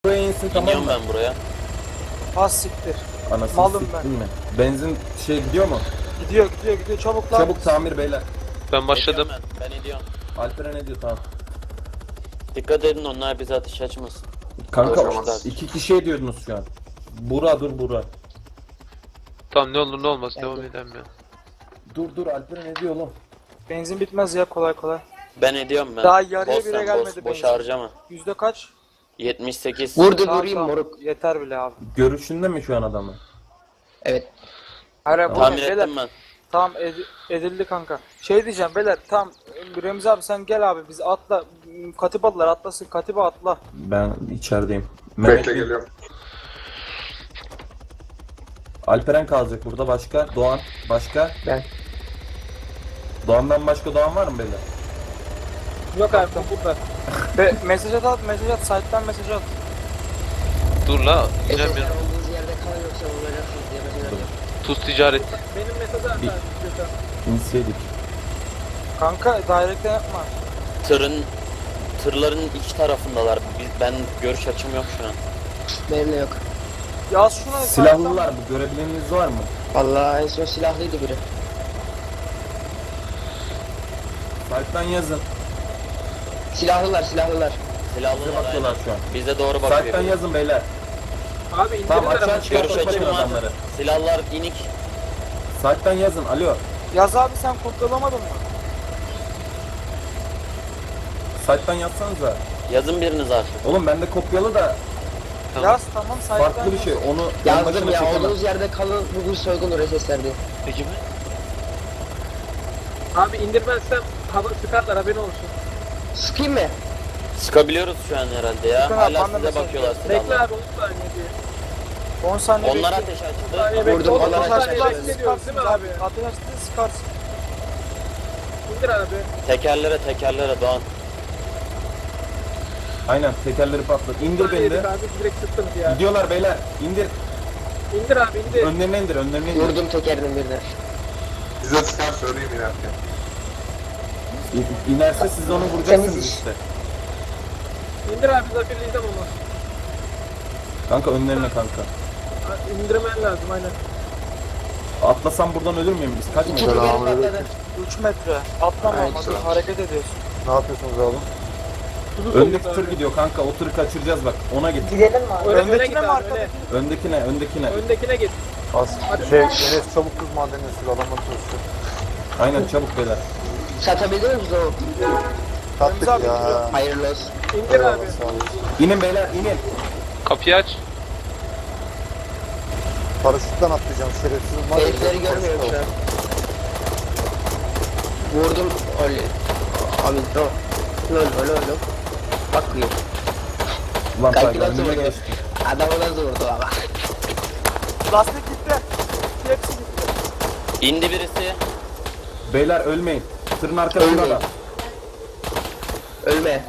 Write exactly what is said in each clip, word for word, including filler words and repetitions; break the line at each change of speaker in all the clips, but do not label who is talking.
Buraya insin, tamam
İniyorum
mı?
ben buraya.
Az siktir.
Anasını
Malım
siktin
ben.
mi? Benzin şey gidiyor mu?
Gidiyor gidiyor gidiyor çabuk lan.
Çabuk tamir beyler.
Ben başladım.
Ediyorum ben. Ben ediyorum.
Alperen ne diyor, tamam.
Dikkat edin, onlar bize ateş açmasın.
Kanka
Boşver.
iki kişi ediyordunuz şu an. Bura dur Bura.
Tamam, ne olur ne olmaz devam edelim ya.
Dur dur Alperen ne diyor oğlum?
Benzin bitmez ya kolay kolay.
Ben ediyorum ben.
Daha yarıya
Boş
bile
sen,
gelmedi
boş, boş
benzin.
harcama.
Yüzde kaç?
yetmiş sekiz.
Vurdu
Tamam,
vurayım
tamam.
moruk.
Yeter bile abi.
Görüşünde mi şu an adamı?
Evet.
Hayır bu
Tamir
ne? Beyler,
ettim ben.
tamam ed- edildi kanka. Şey diyeceğim beyler tamam Remzi abi sen gel abi biz atla Katibalılar atlasın Katiba atla.
Ben içerideyim. Mehmet
Bekle
Bey-
geliyorum.
Alperen kalacak burada, başka? Doğan, başka?
Ben.
Doğan'dan başka Doğan var mı beyler?
Yok abi burada. Ve mesaj at at mesaj at site'den mesaj at.
Dur la,
Eser
inemiyorum.
olduğunuz yerde kalın yoksa vuracaksınız diye mesaj atıyorum.
Tuz ticaret.
Benim mesaj at
Bir- İnseydik.
Kanka direct'ten yapma.
Tırın, tırların iki tarafındalar. Biz, ben görüş açım yok şu an.
Benim de yok.
Yaz şuna
Silahlılar mı? Görebileniniz var mı?
Vallahi en son silahlıydı biri.
Site'den yazın.
Silahlılar silahlılar.
Bize
Silahlılar
bakıyorlar
aynen.
şu an.
Bize doğru bakıyor.
Site'den yazın beyler.
Abi indirin
Tamam açığa
Görüş
çıkartın
açım var.
adamları.
Silahlar inik.
Site'den yazın, alo.
Yaz abi sen kopyalamadın mı?
Site'den yazsanıza.
Yazın biriniz artık.
Oğlum bende kopyalı da
Tamam.
Yaz tamam site'den
farklı bir
yaz.
şey. Onu
Yazdım
başına
ya
çekemem.
olduğunuz yerde kalın bugün soygun oraya seslendi.
Peki mi?
Abi indirmezsem hava sıkarlar haberin olsun.
Sıkayım mı?
Sıkabiliyoruz şu an herhalde ya.
Bakın abi,
Hala
bana
size
mesaj
bakıyorlar
Bekle
silahlar.
abi on saniye diye.
on saniye
Onlar
bekle.
ateş açtı.
Saniye bekle.
Vurdum,
on
onlar
saniye
ateş
bekle
açtı.
diyoruz değil mi abi?
Ateş açtı sıkarsın.
İndir abi.
Tekerlere tekerlere Doğan.
Aynen, tekerleri patlat. İndir beni
Saniye
de.
abi direkt sıktınız ya.
Gidiyorlar beyler. İndir.
İndir abi indir.
Önlerine indir, önlerine indir.
Vurdum tekerinin birine.
Bize çıkar söyleyeyim inerken.
İ- İnerse siz onu vuracaksınız
Temiz iş.
işte.
İndir abi zafirleyeceğim onu.
Kanka önlerine kanka.
Ha, İndirmen lazım aynen.
Atlasam buradan ölür müyüm biz? Kaç
İki
metre?
teker patladı.
üç metre. Atlama
Aynen.
ama dur, hareket ediyorsun.
Ne yapıyorsunuz abi?
Tuzu
Öndeki
soğuk
tır
abi.
gidiyor kanka, o tırı kaçıracağız bak, ona git.
Öne, öne git
Öndekine mi
abi öne.
arkadakine?
Öndekine, öndekine.
Öndekine git.
Az
Hadi.
şey Enes çabuk kız madenine sür adamın çalışıyor.
Aynen çabuk beyler.
Satabiliyor musunuz o?
Tattık
abi,
ya.
Hayırlı olsun.
İndir abi.
Eyvallah, sağ olun.
İnin beyler, inin.
Kapıyı aç.
Paraşütten atlayacağım şerefsizim var ya.
Herifleri görmüyorum şu an. Vurdum öyle. Abi no. Lol lol lol. Bakmıyor.
Ulan
Kanki
Tayga
nasıl
önüne
vurdu?
geçti.
Adamı nasıl vurdu ama.
Lastik gitti. Hepsi gitti.
İndi birisi.
Beyler ölmeyin. Tırın arkasında
Ölmeyin.
da.
Ölme.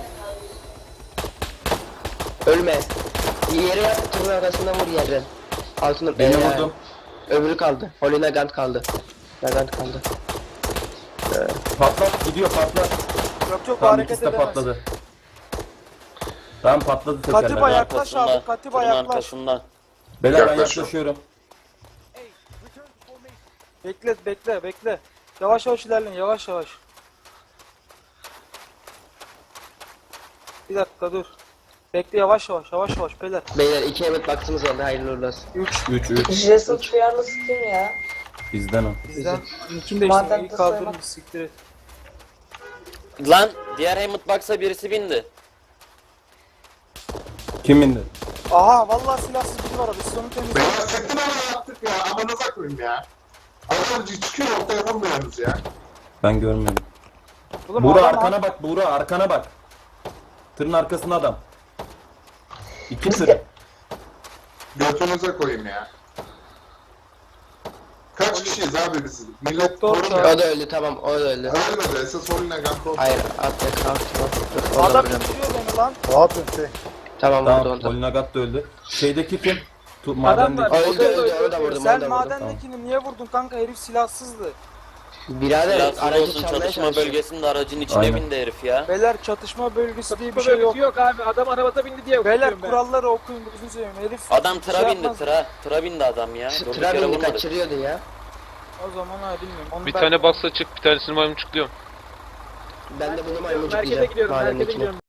Ölme. Yere yat, tırın arkasından vur yerden. Altını
Beni
Ee,
vurdum.
Öbürü kaldı. Holly Nagant kaldı. Nagant kaldı.
Patlat, gidiyor patlat.
Yok yok
Tamam,
hareket
ikisi de
edemez.
patladı. Tamam patladı tekerler.
Katiba yaklaş
Arkasında,
abi Katiba
tırın
yaklaş.
arkasında.
Beyler ben
Yaklaşıyorum.
yaklaşıyorum.
Bekle bekle bekle. Yavaş yavaş ilerleyin yavaş yavaş. Bir dakika dur. Bekle yavaş yavaş yavaş yavaş beyler.
Beyler iki emet baktığımız oldu. Hayırlı uğurlu olsun.
üç
üç üç.
Jason duyarlısı kim ya?
Bizden o.
bizden. Kim
Madem
değişti? İyi
de
kaldırın
saymak-
siktir et.
Lan diğer Hammond Box'a birisi bindi.
Kim indi?
Aha vallahi silahsız biri var abi siz onu temizleyin.
Beyler sakın ama yaptık ya. Amanıza koyayım ya. Adam çıkıyor ortaya vurmuyorsunuz ya.
Ben görmüyorum.
Oğlum
Buğra
adam-
arkana bak, Buğra arkana bak. Tırın arkasında adam. İki tır.
Götünüze koyayım ya. Kaç kişiyiz abi biz? Millet
Doktor
korumuyor.
O da öldü tamam o da öldü.
Ölmedi. Esas Holine Ganto.
Hayır atla kalk.
Adam indiriyor beni lan.
Ne yapıyorsun şey?
Tamam vurdu
Tamam,
onu da.
Polinagat da öldü. Şeydeki kim? Tu
Adam var.
madendeki.
Öldü öldü onu da vurdum onu
Sen
da vurdum.
madendekini niye vurdun kanka herif silahsızdı.
Birader
Silahsız
aracı
olsun
çalmaya
çatışma
çalışıyor.
bölgesinde aracın içine
Aynen.
bindi herif ya.
Beyler çatışma bölgesi diye bir
Bu
şey yok.
bölgesi yok abi. Adam arabada bindi diye
Beyler
okuyorum ben.
kuralları okuyun gözünü seveyim herif.
Adam tıra
şey
bindi
yapmaz.
tıra. Tıra bindi adam ya. Durduk yere
Trabini
vurmadık.
kaçırıyordu ya.
O zaman ha bilmiyorum. Onu
Bir
ben-
tane box açık, bir tanesini maymuncukluyorum.
Ben de bunu
Merkeze
maymuncuklayacağım.
gidiyorum.
mahallenin
Merkeze
içine.
gidiyorum.